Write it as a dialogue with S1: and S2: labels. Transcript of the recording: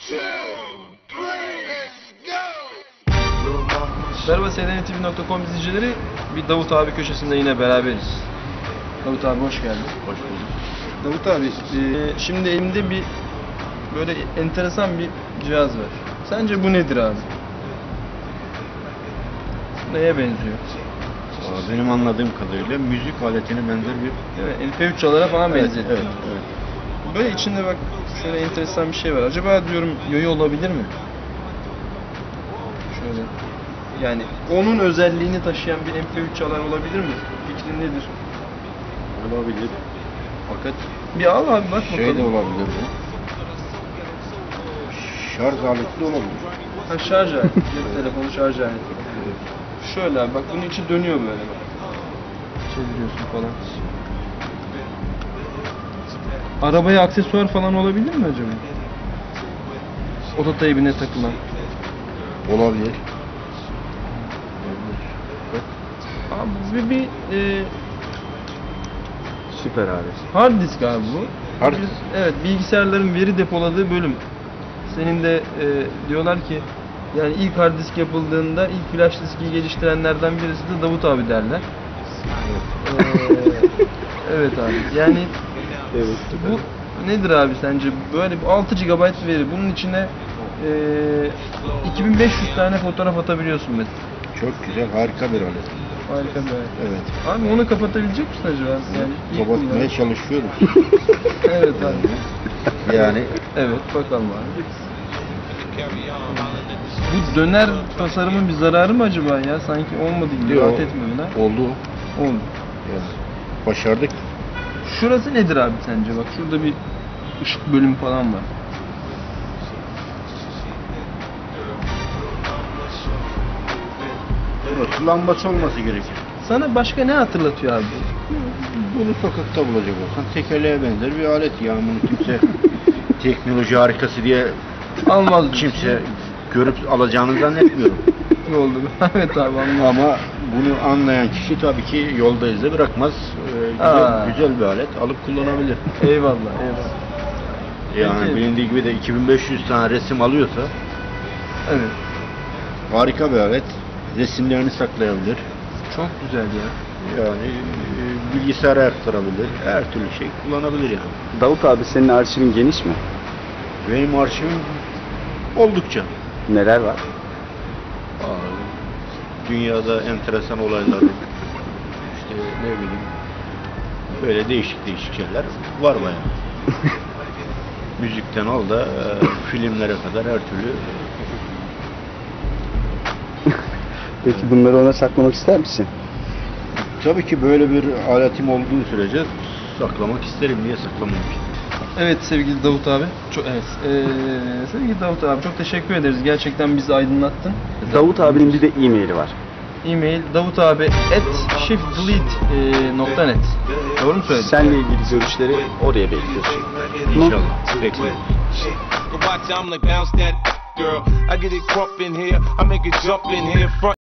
S1: Merhaba SDNTV.com izleyicileri, bir Davut abi köşesinde yine beraberiz. Davut abi hoş geldin.
S2: Hoş bulduk.
S1: Davut abi, şimdi elimde bir böyle enteresan bir cihaz var. Sence bu nedir abi? Neye benziyor?
S2: Benim anladığım kadarıyla müzik aletine benzer bir...
S1: Evet, MP3'lara falan benzettim.
S2: Evet, evet.
S1: Böyle içinde bak şöyle enteresan bir şey var. Acaba diyorum yoyo olabilir mi? Şöyle. Yani onun özelliğini taşıyan bir MP3 çalar olabilir mi? Fikrin nedir?
S2: Olabilir. Fakat
S1: Bir al abi bak
S2: şey de
S1: bakalım.
S2: olabilir bu. Şarj aleti de olabilir.
S1: Ha, şarj aleti. Cep telefonu şarj aleti. Şöyle abi bak bunun içi dönüyor böyle bak. Çeviriyorsun falan. Arabaya aksesuar falan olabilir mi acaba? Ototeybine takılan.
S2: Olabilir.
S1: Abi bir
S2: Süper alet.
S1: hard disk abi bu.
S2: Hard disk.
S1: Evet, bilgisayarların veri depoladığı bölüm. Senin de diyorlar ki yani ilk hard disk yapıldığında ilk flash diski geliştirenlerden birisi de Davut abi derler. Evet abi. Yani
S2: Evet.
S1: bu nedir abi sence? Böyle 6 GB veri. Bunun içine 2500 tane fotoğraf atabiliyorsun mesela.
S2: Çok güzel, harika bir alet.
S1: Harika bir alet.
S2: Evet.
S1: Abi onu kapatabilecek misin acaba? Yani ilk
S2: Kapatmaya
S1: kullanım.
S2: çalışıyoruz.
S1: Evet abi.
S2: Yani
S1: Evet bakalım abi. Bu döner tasarımın bir zararı mı acaba ya? Sanki olmadı gibi.
S2: Yok.
S1: Rahat etmiyor ha?
S2: oldu.
S1: Oldu.
S2: Yani başardık.
S1: Şurası nedir abi sence? Bak şurada bir ışık bölümü falan var.
S2: Burası lambası olması gerekir.
S1: Sana başka ne hatırlatıyor abi?
S2: Bunu sokakta bulacak olsan tekerleğe benzer bir alet ya. Bunu kimse teknoloji harikası diye
S1: Almaz
S2: kimse görüp alacağını zannetmiyorum.
S1: oldu. Evet abi anladım.
S2: Ama bunu anlayan kişi tabii ki yolda izle bırakmaz. Güzel bir alet alıp kullanabilir.
S1: Eyvallah eyvallah.
S2: Yani
S1: Peki.
S2: bilindiği gibi de 2500 tane resim alıyorsa
S1: Evet.
S2: harika bir alet. Resimlerini saklayabilir.
S1: Çok güzel ya.
S2: Yani bilgisayara aktarabilir. Her türlü şey kullanabilir yani.
S3: Davut abi senin arşivin geniş mi?
S2: Benim arşivim oldukça.
S3: Neler var?
S2: Dünyada enteresan olaylar, işte ne bileyim, böyle değişik şeyler var bayağı. Müzikten al da filmlere kadar her türlü.
S3: Peki bunları ona saklamak ister misin?
S2: Tabii ki böyle bir aletim olduğu sürece saklamak isterim. Niye saklamayayım ki?
S1: Evet sevgili Davut abi. Sevgili Davut abi çok teşekkür ederiz. Gerçekten bizi aydınlattın.
S3: Davut abinin bir de e-maili var.
S1: E-mail davutabi@shiftdelete.net. Doğru mu söyledim?
S3: Seninle ilgili görüşleri oraya bekliyoruz.
S2: İnşallah. Bekliyorum.
S4: Watch, I'm like bounce that girl. I get it crump in here. I make it jump in here. Front